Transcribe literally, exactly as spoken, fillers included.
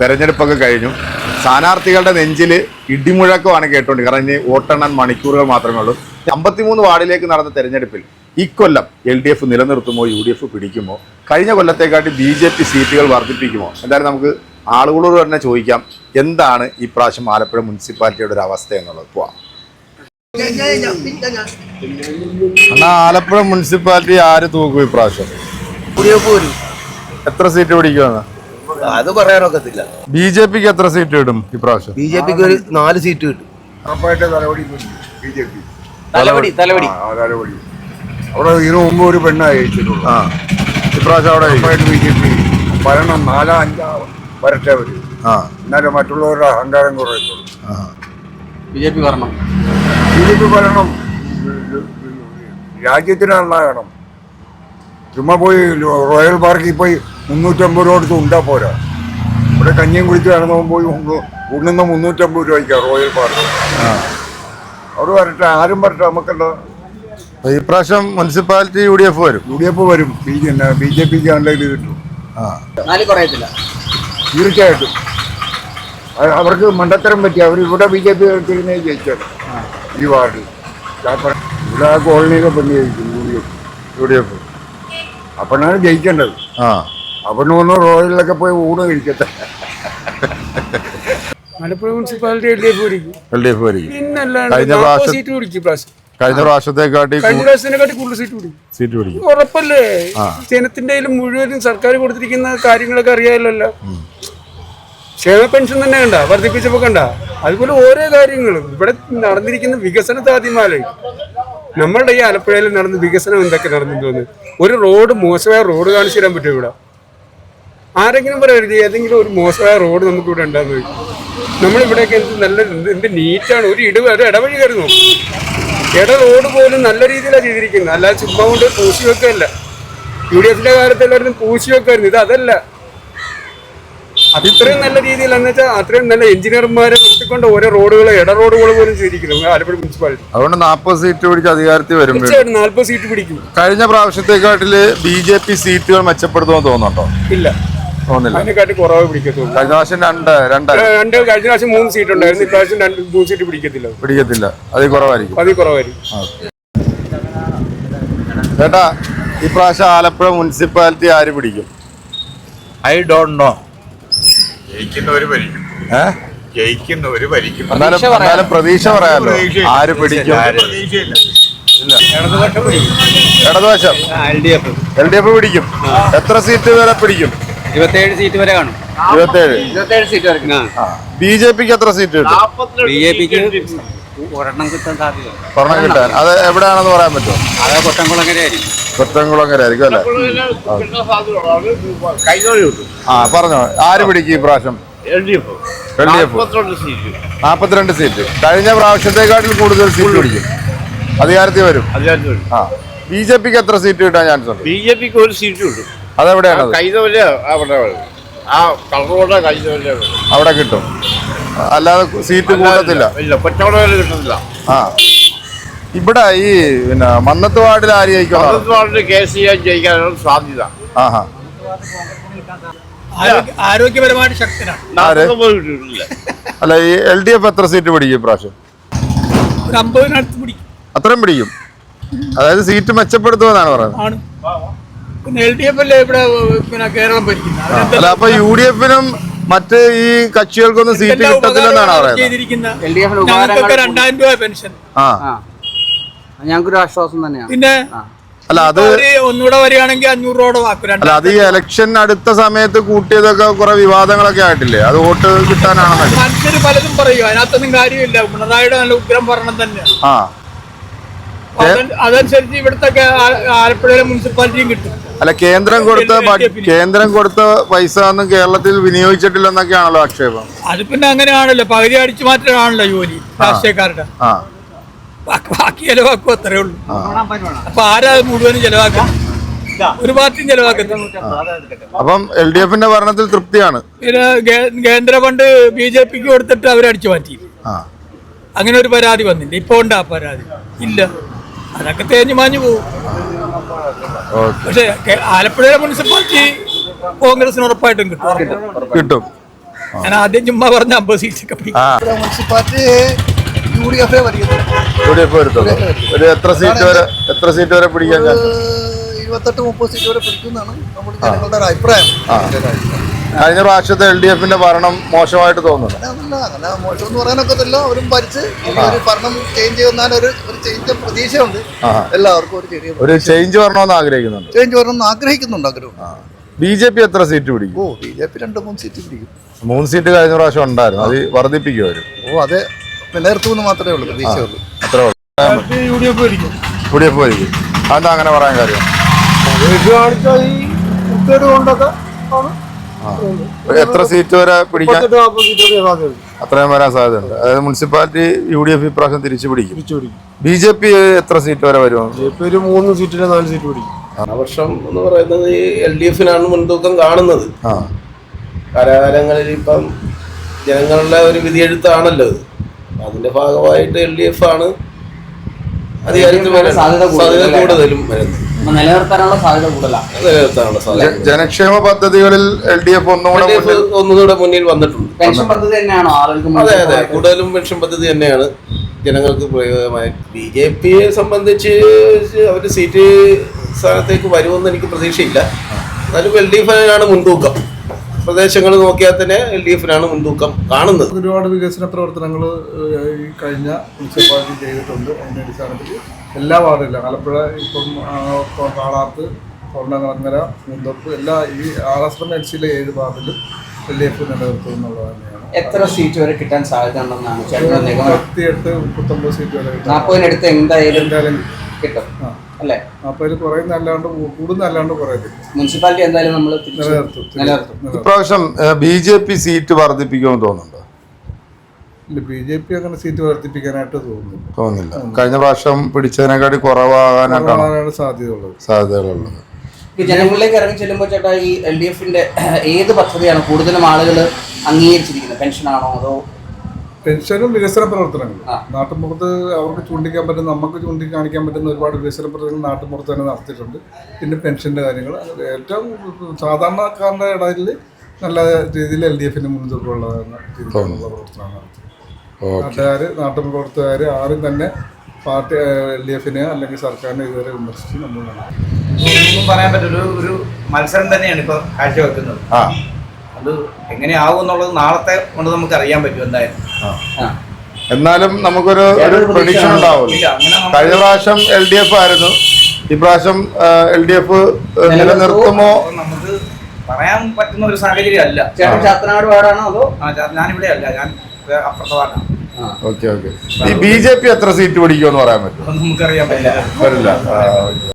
തെരഞ്ഞെടുപ്പൊക്കെ കഴിഞ്ഞു. സ്ഥാനാർത്ഥികളുടെ നെഞ്ചിൽ ഇടിമുഴക്കമാണ് കേട്ടുകൊണ്ട്, കാരണം ഇനി വോട്ടെണ്ണാൻ മണിക്കൂറുകൾ മാത്രമേ ഉള്ളൂ. അമ്പത്തിമൂന്ന് വാർഡിലേക്ക് നടന്ന തെരഞ്ഞെടുപ്പിൽ ഇക്കൊല്ലം എൽ ഡി എഫ് നിലനിർത്തുമോ യു ഡി എഫ് പിടിക്കുമോ, കഴിഞ്ഞ കൊല്ലത്തെക്കാട്ടി ബി ജെ പി സീറ്റുകൾ വർദ്ധിപ്പിക്കുമോ? എന്തായാലും നമുക്ക് ആളുകളോട് തന്നെ ചോദിക്കാം എന്താണ് ഈ പ്രാവശ്യം ആലപ്പുഴ മുനിസിപ്പാലിറ്റിയുടെ ഒരു അവസ്ഥ എന്നുള്ളത്. പോവാം. എന്നാ ആലപ്പുഴ മുനിസിപ്പാലിറ്റി ആര് തൂക്കും ഈ പ്രാവശ്യം? എത്ര സീറ്റ് പിടിക്കുമെന്ന് അത് പറയാനൊക്കത്തില്ല. ബി ജെ പിക്ക് എത്ര സീറ്റ് കിട്ടും ഈ പ്രാവശ്യം? ബി ജെ പിക്ക് ഒരു നാല് സീറ്റ് കിട്ടും. അവിടെ ഇതിനു മുമ്പ് ഒരു പെണ്ണായി ജയിച്ചിട്ടുള്ളൂ. ആ ഇപ്രാവശ്യം അവിടെ ബി ജെ പി ഭരണം നാലാ അഞ്ചാ വരട്ടെ വരും. ആ എന്നാലും മറ്റുള്ളവരുടെ അഹങ്കാരം കുറയത്തുള്ളൂ. ബി ജെ പി ഭരണം ബി ജെ പി ഭരണം രാജ്യത്തിന് നന്നാകണം. ചുമ്മാ പോയി റോയൽ പാർക്കിൽ പോയി മുന്നൂറ്റമ്പത് രൂപ എടുത്ത് ഉണ്ടാ പോരാ. ഇവിടെ കഞ്ഞിയും കുടിച്ച് നടന്നു പോയി ഉണ്ണുന്ന മുന്നൂറ്റമ്പത് രൂപയ്ക്കാ റോയൽ പാർക്ക്. അവിടെ വരട്ടെ, ആരും വരട്ടെ, നമുക്കല്ല. ഈ പ്രാവശ്യം മുനിസിപ്പാലിറ്റി യു ഡി എഫ് വരും. യു ഡി എഫ് വരും. ബി ബി ജെ പിക്ക് നല്ല ഇത് കിട്ടും. തീർച്ചയായിട്ടും അവർക്ക് മണ്ടത്തരം പറ്റി. അവർ ഇവിടെ ബി ജെ പി തിരിഞ്ഞേ ജയിച്ചത് ഈ വാർഡിൽ. ഇവിടെ ആ കോളനിയൊക്കെ പെണ്ണ് ജയിക്കും U D F U D F അപ്പോഴാണ് ജയിക്കേണ്ടത്. ആ അവിടെ ഒന്ന് റോയലിലൊക്കെ പോയി ഊണ് കഴിക്കട്ടെ. Alappuzha municipality L D F പിടിക്കും. എൽ ഡി എഫ് പിടിക്കും. കഴിഞ്ഞ പ്രാവശ്യം കഴിഞ്ഞ പ്രാവശ്യത്തെക്കാട്ടി കഴിഞ്ഞ പ്രാവശ്യത്തിനെക്കാട്ടി കൂടുതൽ സീറ്റ് പിടിക്കും. സീറ്റ് പിടിക്കും ഉറപ്പല്ലേ? ജനത്തിന്റെ മുഴുവനും സർക്കാർ കൊടുത്തിരിക്കുന്ന കാര്യങ്ങളൊക്കെ അറിയാമല്ലോ. ക്ഷേമ പെൻഷൻ തന്നെ കണ്ട വർദ്ധിപ്പിച്ചപ്പോ കണ്ട. അതുപോലെ ഓരോ കാര്യങ്ങളും ഇവിടെ നടന്നിരിക്കുന്ന വികസനത്തെ ആദ്യമാലേ നമ്മളുടെ ഈ ആലപ്പുഴയിൽ നടന്ന വികസനം എന്തൊക്കെ നടന്നു തോന്നുന്നു. ഒരു റോഡ് മോശമായ റോഡ് കാണിച്ചു തരാൻ പറ്റും ഇവിടെ? ആരെങ്കിലും പറയരുത് ഏതെങ്കിലും ഒരു മോശമായ റോഡ് നമുക്ക് ഇവിടെ ഉണ്ടാകുന്ന. നമ്മളിവിടെയൊക്കെ എന്ത് നല്ല എന്ത് നീറ്റാണ്. ഒരു ഇട ഒരു ഇടവഴി കയറുന്നു, ഇട റോഡ് പോലും നല്ല രീതിയിലാണ് ചെയ്തിരിക്കുന്നത്. അല്ലാതെ ചുമ്മാ കൊണ്ട് പൂശി വെക്കല്ല. യു ഡി എഫിന്റെ കാലത്ത് എല്ലാവരും പൂശി വെക്കായിരുന്നു. ഇത് അതല്ല. അത്രയും നല്ല രീതിയിലെന്ന് വെച്ചാൽ അത്രയും നല്ല എഞ്ചിനീയർമാരെ നിർത്തിക്കൊണ്ട് ഓരോ റോഡുകൾ ഇട റോഡുകൾ പോലും ചെയ്തിരിക്കുന്നു ആലപ്പുഴ മുനിസിപ്പാലിറ്റി. അതുകൊണ്ട് നാൽപ്പത് സീറ്റ് പിടിച്ച് അധികാരത്തിൽ വരും. തീർച്ചയായിട്ടും നാൽപ്പത് സീറ്റ് പിടിക്കും. കഴിഞ്ഞ പ്രാവശ്യത്തെക്കാട്ടില് ബി ജെ പി സീറ്റുകൾ മെച്ചപ്പെടുത്തുമെന്ന് തോന്നുന്നുണ്ടോ? ഇല്ല, തോന്നില്ല. അതിനെക്കാട്ടി കുറവ് പിടിക്കത്തുള്ളൂ. കഴിഞ്ഞ പ്രാവശ്യം രണ്ട് രണ്ട് രണ്ട് കഴിഞ്ഞ പ്രാവശ്യം മൂന്ന് സീറ്റ് ഉണ്ടായിരുന്നു. ഇപ്രാവശ്യം രണ്ട് മൂന്ന് സീറ്റ് പിടിക്കത്തില്ല. പിടിക്കത്തില്ല അതിൽ കുറവായിരിക്കും. അതിൽ കുറവായിരിക്കും. ചേട്ടാ, ഈ പ്രാവശ്യം ആലപ്പുഴ മുനിസിപ്പാലിറ്റി ആര് പിടിക്കും? I don't know. ജയിക്കുന്നവര് ഭരിക്കും. ഏഹ് ജയിക്കുന്നവര് ഭരിക്കും. എന്നാലും എന്നാലും പ്രതീക്ഷ പറയാമല്ലോ ആര് പിടിക്കും. പ്രതീക്ഷയില്ല. ഇടതുവശം L D F L D F പിടിക്കും. എത്ര സീറ്റ് വരെ പിടിക്കും? ഇരുപത്തേഴ് സീറ്റ് വരെ കാണും. ഇരുപത്തേഴ് ഇരുപത്തേഴ് സീറ്റ് വരെ. ബി ജെ പിക്ക് എത്ര സീറ്റ് കിട്ടും? ബി ജെ പിക്ക് ഒരെണ്ണം കിട്ടാൻ സാധ്യത. ഒരെണ്ണം കിട്ടാൻ അത് എവിടെയാണെന്ന് പറയാൻ പറ്റുമോ? അത് കൊട്ടംകുളങ്ങര ആയിരിക്കും. കൊറ്റംകുളങ്ങര ആയിരിക്കും അല്ലേ? ആ പറഞ്ഞോ, ആര് പിടിക്കും ഈ പ്രാവശ്യം? L D F L D F നാപ്പത്തിരണ്ട് സീറ്റ്. കഴിഞ്ഞ പ്രാവശ്യത്തെക്കാട്ടിൽ കൂടുതൽ സീറ്റ് പിടിക്കും. അധികാരത്തിൽ വരും. ആ ബി ജെ പിക്ക് എത്ര സീറ്റ് കിട്ടാൻ ചാൻസ് ഉണ്ട്? ബി ജെ പിക്ക് ഒരു സീറ്റ് കിട്ടും. അതെവിടെയാണ്? കൈതവല്ല അവിടെ ആ കളറോടെ കൈതവല്ല അവിടെ കിട്ടും. അല്ലാതെ സീറ്റ് കൂട്ടത്തില്ല. ഇല്ല, കൊച്ചവട കിട്ടുന്നില്ല. ആ ഇവിടെ ഈ പിന്നെ മന്നത്ത് വാർഡിൽ ആര് ജയിക്കും? കെ സി ജയിക്കാനുള്ള സാധ്യത. ആഹാ ആരോഗ്യപരമായിട്ട് ശക്തനാണ്. അല്ല ഈ എൽ ഡി എഫ് എത്ര സീറ്റ് പിടിക്കും ഇപ്രാവശ്യം? ഒരു അമ്പതിനടുത്ത് പിടിക്കും. അത്രയും പിടിക്കും. അതായത് സീറ്റ് മെച്ചപ്പെടുത്തുമെന്നാണ് പറയുന്നത്. പിന്നെ എൽ ഡി എഫ് അല്ലേ ഇവിടെ പിന്നെ കേരളം ഭരിക്കുന്നത്. അല്ല അപ്പൊ യു ഡി എഫിനും മറ്റ് ഈ കക്ഷികൾക്കൊന്നും സീറ്റ് കിട്ടത്തില്ലെന്നാണ് പറയുന്നത്. രണ്ടായിരം രൂപ പെൻഷൻ ആ ഞങ്ങൾക്കൊരു ആശ്വാസം തന്നെയാണ്. പിന്നെ അല്ല അത് ഒന്നുകൂടെ വരികയാണെങ്കിൽ അഞ്ഞൂറ് രൂപ ആക്കും. അല്ല അത് ഈ ഇലക്ഷൻ അടുത്ത സമയത്ത് കൂട്ടിയതൊക്കെ കുറെ വിവാദങ്ങളൊക്കെ ആയിട്ടില്ലേ? അത് വോട്ട് കിട്ടാനാണെന്നല്ലേ മനുഷ്യര് പലതും പറയും. അതിനകത്തൊന്നും കാര്യമില്ല. പിണറായിയുടെ നല്ല ഉഗ്രം ഭരണം തന്നെയാണ്. ആ അതനുസരിച്ച് ഇവിടുത്തെ ആലപ്പുഴയിലെ മുനിസിപ്പാലിറ്റിയും കിട്ടും. അല്ല കേന്ദ്രം കൊടുത്ത കേന്ദ്രം കൊടുത്ത പൈസ ഒന്നും കേരളത്തിൽ വിനിയോഗിച്ചിട്ടില്ലെന്നൊക്കെയാണല്ലോ ആക്ഷേപം. അത് പിന്നെ അങ്ങനെയാണല്ലോ, പകുതി അടിച്ചു മാറ്റാണല്ലോ ജോലി രാഷ്ട്രീയക്കാരുടെ. ബാക്കി ചെലവാക്കും, അത്രേ ഉള്ളൂ. അപ്പൊ ആരാ മുഴുവനും ചെലവാക്കാം? ഒരു പാർട്ടിയും ചെലവാക്കത്തില്ല. അപ്പം എൽ ഡി എഫിന്റെ ഭരണത്തിൽ തൃപ്തിയാണ്. പിന്നെ കേന്ദ്ര ഫണ്ട് ബി ജെ പിക്ക് കൊടുത്തിട്ട് അവരടിച്ചു മാറ്റി. അങ്ങനെ ഒരു പരാതി വന്നില്ല. ഇപ്പൊ ഉണ്ട് ആ പരാതി? ഇല്ല. അതൊക്കെ തേഞ്ഞു മാഞ്ഞു പോകും. പക്ഷെ ആലപ്പുഴ മുനിസിപ്പാലിറ്റി കോൺഗ്രസിന് ഉറപ്പായിട്ടും കിട്ടും. കിട്ടും. ഞാൻ ആദ്യം ചുമ്മാ പറഞ്ഞ അമ്പത് സീറ്റൊക്കെ പിടിക്കും. ആ മുനിസിപ്പാലിറ്റി യു ഡി എഫ് വരുന്നത് യു ഡി എഫ് വരുത്തുള്ളൂ. ഒരു എത്ര സീറ്റ് വരെ എത്ര സീറ്റ് വരെ പിടിക്കാൻ ഞാൻ ഇരുപത്തെട്ട് മുപ്പത് സീറ്റ് വരെ പിടിക്കുന്നതാണ് നമ്മുടെ ജനങ്ങളുടെ ഒരു അഭിപ്രായം. കഴിഞ്ഞ പ്രാവശ്യത്തെ എൽ ഡി എഫിന്റെ ഭരണം മോശമായിട്ട് തോന്നുന്നു. അങ്ങനെ അങ്ങനെ മോശം എന്ന് പറയാനൊക്കത്തില്ല. അവരും ഭരിച്ച് ഇനി ഒരു ഭരണം ചേഞ്ച് ചെയ്യുന്നാൽ ഒരു ഒരു ചേഞ്ച് പ്രതീക്ഷയുണ്ട്. എല്ലാവർക്കും ഒരു ചെറിയ ഒരു ചേഞ്ച് വരണമെന്ന് ആഗ്രഹിക്കുന്നുണ്ട്. ചേഞ്ച് വരണമെന്ന് ആഗ്രഹിക്കുന്നുണ്ട് ആഗ്രഹം. ബി ജെ പി എത്ര സീറ്റ് പിടിക്കും? ഓ ബി ജെ പി രണ്ട് മൂന്ന് സീറ്റ് പിടിക്കും. മൂന്ന് സീറ്റ് കഴിഞ്ഞ പ്രാവശ്യം ഉണ്ടായിരുന്നു. അത് വർദ്ധിപ്പിക്കും അവര്. ഓ അതെ നിലനിർത്തുമെന്ന് മാത്രമേ ഉള്ളൂ പ്രതീക്ഷയുള്ളൂ. അത്രേ ഉള്ളൂ. യു ഡി എഫ് ഭരിക്കും. യു ഡി എഫ് ഭരിക്കും. അതെന്താ അങ്ങനെ പറയാൻ കാര്യം? കാണിച്ചാൽ ഈ കുത്തേട് കൊണ്ടൊക്കെ ഒരു എത്ര സീറ്റ് വരെ പിടിക്കാൻ നാൽപ്പത് സീറ്റ് വരെ സാധ്യത അത്രയും വരാൻ സാധ്യതയുണ്ട്. അതായത് മുനിസിപ്പാലിറ്റി യു ഡി എഫ് ഇപ്രാവശ്യം തിരിച്ചു പിടിക്കും. തിരിച്ചു പിടിക്കും. ബി ജെ പി എത്ര സീറ്റ് വരെ വരുമോ? ബി ജെ പി ഒരു മൂന്ന് സീറ്റിന് നാല് സീറ്റ് പിടിക്കും. വർഷം എന്ന് പറയുന്നത് എൽ ഡി എഫിനാണ് മുൻതൂക്കം കാണുന്നത്. ആ കാലാകാലങ്ങളിൽ ഇപ്പം ജനങ്ങളുടെ ഒരു വിധിയെഴുത്താണല്ലോ ഇത്. അതിന്റെ ഭാഗമായിട്ട് എൽ ഡി എഫ് ആണ് അധികാരത്തിൽ വരാൻ സാധ്യത കൂടുതലും വരുന്നത്. നിലനിർത്താനുള്ള സാധ്യത കൂടുതലാണ്. നിലനിർത്താനുള്ള സാധ്യത ജനക്ഷേമ പദ്ധതികളിൽ എൽ ഡി എഫ് ഒന്നുകൂടെ മുന്നിൽ ഒന്നുകൂടെ മുന്നിൽ വന്നിട്ടുണ്ട്. പെൻഷൻ പദ്ധതി തന്നെയാണോ ആളുകൾക്ക്? അതെ അതെ കൂടുതലും പെൻഷൻ പദ്ധതി തന്നെയാണ് ജനങ്ങൾക്ക് പ്രയോജനമായി. ബി ജെ പിയെ സംബന്ധിച്ച് അവർ സീറ്റ് സ്ഥാനത്തേക്ക് വരുമെന്ന് എനിക്ക് പ്രതീക്ഷയില്ല. എന്നാലും എൽ ഡി എഫിനാണ് മുൻതൂക്കം. പ്രദേശങ്ങൾ നോക്കിയാൽ തന്നെ എൽ ഡി എഫിനാണ് മുൻതൂക്കം കാണുന്നത്. ഒരുപാട് വികസന പ്രവർത്തനങ്ങൾ ഈ കഴിഞ്ഞ മുനിസിപ്പാലിറ്റി ചെയ്തിട്ടുണ്ട്. അതിൻ്റെ അടിസ്ഥാനത്തിൽ എല്ലാ വാർഡിലും ആലപ്പുഴ ഇപ്പം കാളാത്ത്, തൊണ്ടങ്ങര, മുന്തപ്പ് എല്ലാ ഈ ആറാശ്രമ എൽ സിയിലെ ഏഴ് വാർഡിലും എൽ ഡി എഫ് നിലനിർത്തും എന്നുള്ളത് തന്നെയാണ്. എത്ര സീറ്റ് വരെ കിട്ടാൻ സാധ്യത ഉണ്ടെന്നാണ് മുപ്പത്തിയെട്ട് മുപ്പത്തൊമ്പത് സീറ്റ് വരെ കിട്ടും. നാൽപ്പതിനടുത്ത് എന്തായാലും എന്തായാലും കിട്ടും ആ അല്ലേ? നാൽപ്പതിൽ കുറയുന്ന അല്ലാണ്ട് കൂടുന്ന അല്ലാണ്ട് കുറയത്തില്ല. മുനിസിപ്പാലിറ്റി എന്തായാലും നമ്മൾ നിലനിർത്തും നിലനിർത്തും. ഇപ്രാവശ്യം ബി ജെ പി സീറ്റ് വർദ്ധിപ്പിക്കുമെന്ന് തോന്നുന്നുണ്ടോ? ഇല്ല, ബി ജെ പി അങ്ങനെ സീറ്റ് വർദ്ധിപ്പിക്കാനായിട്ട് തോന്നുന്നില്ല. തോന്നുന്നില്ല. കഴിഞ്ഞ പ്രാവശ്യം പിടിച്ചതിനെക്കാട്ടി കുറവാകാനായിട്ടാണ് കുറവാനാണ് സാധ്യതയുള്ളത് സാധ്യതകളുള്ളത്. ഈ ജനങ്ങളിലേക്ക് ഇറങ്ങി ചെല്ലുമ്പോൾ ചേട്ടാ ഈ എൽ ഡി എഫിന്റെ ഏത് പദ്ധതിയാണ് കൂടുതലും ആളുകൾ അംഗീകരിച്ചിരിക്കുന്നത്? പെൻഷനാണോ അതോ പെൻഷനും വികസന പ്രവർത്തനങ്ങളും? നാട്ടുമ്പുറത്ത് അവർക്ക് ചൂണ്ടിക്കാൻ പറ്റുന്ന, നമുക്ക് ചൂണ്ടിക്കാണിക്കാൻ പറ്റുന്ന ഒരുപാട് വികസന പ്രവർത്തനങ്ങൾ നാട്ടുമ്പുറത്ത് തന്നെ നടത്തിയിട്ടുണ്ട്. പിന്നെ പെൻഷൻ്റെ കാര്യങ്ങൾ ഏറ്റവും സാധാരണക്കാരുടെ ഇടയിൽ നല്ല രീതിയിൽ എൽ ഡി എഫിന് മുൻതൂക്കമുള്ള രീതിയിലുള്ള പ്രവർത്തനമാണ് നടത്തിയത്. നാട്ടുകാർ നാട്ടുപ്രവർത്തകർ ആരും തന്നെ പാർട്ടി എൽ ഡി എഫിനെ അല്ലെങ്കിൽ സർക്കാരിനെ ഇതുവരെ വിമർശിച്ച് നമ്മൾ ഒന്നും പറയാൻ പറ്റില്ല. ഒരു ഒരു മത്സരം തന്നെയാണ് ഇപ്പോൾ കാഴ്ചവെക്കുന്നത്. അത് എങ്ങനെയാവും എന്നുള്ളത് നാളത്തെ കൊണ്ട് നമുക്ക് അറിയാൻ പറ്റും എന്തായാലും. എന്നാലും നമുക്കൊരു ഒരു പ്രഡിക്ഷൻ ഉണ്ടാവുമല്ലോ. കഴിഞ്ഞ പ്രാവശ്യം എൽ ഡി എഫ് ആയിരുന്നു, ഇപ്രാവശ്യം എൽ ഡി എഫ് നിലനിർത്തുമോ നമുക്ക് പറയാൻ പറ്റുന്ന ഒരു സാഹചര്യം അല്ല. ചാത്തനാട് വാർഡാണോ അതോ? ഞാനിവിടെ അല്ല, ഞാൻ അപ്പുറത്തെ വാർഡാണ്. Okay okay. ഈ ബി ജെ പി എത്ര സീറ്റ് പിടിക്കുമെന്ന് പറയാൻ പറ്റും? നമുക്കറിയാൻ പറ്റില്ല. വരില്ല.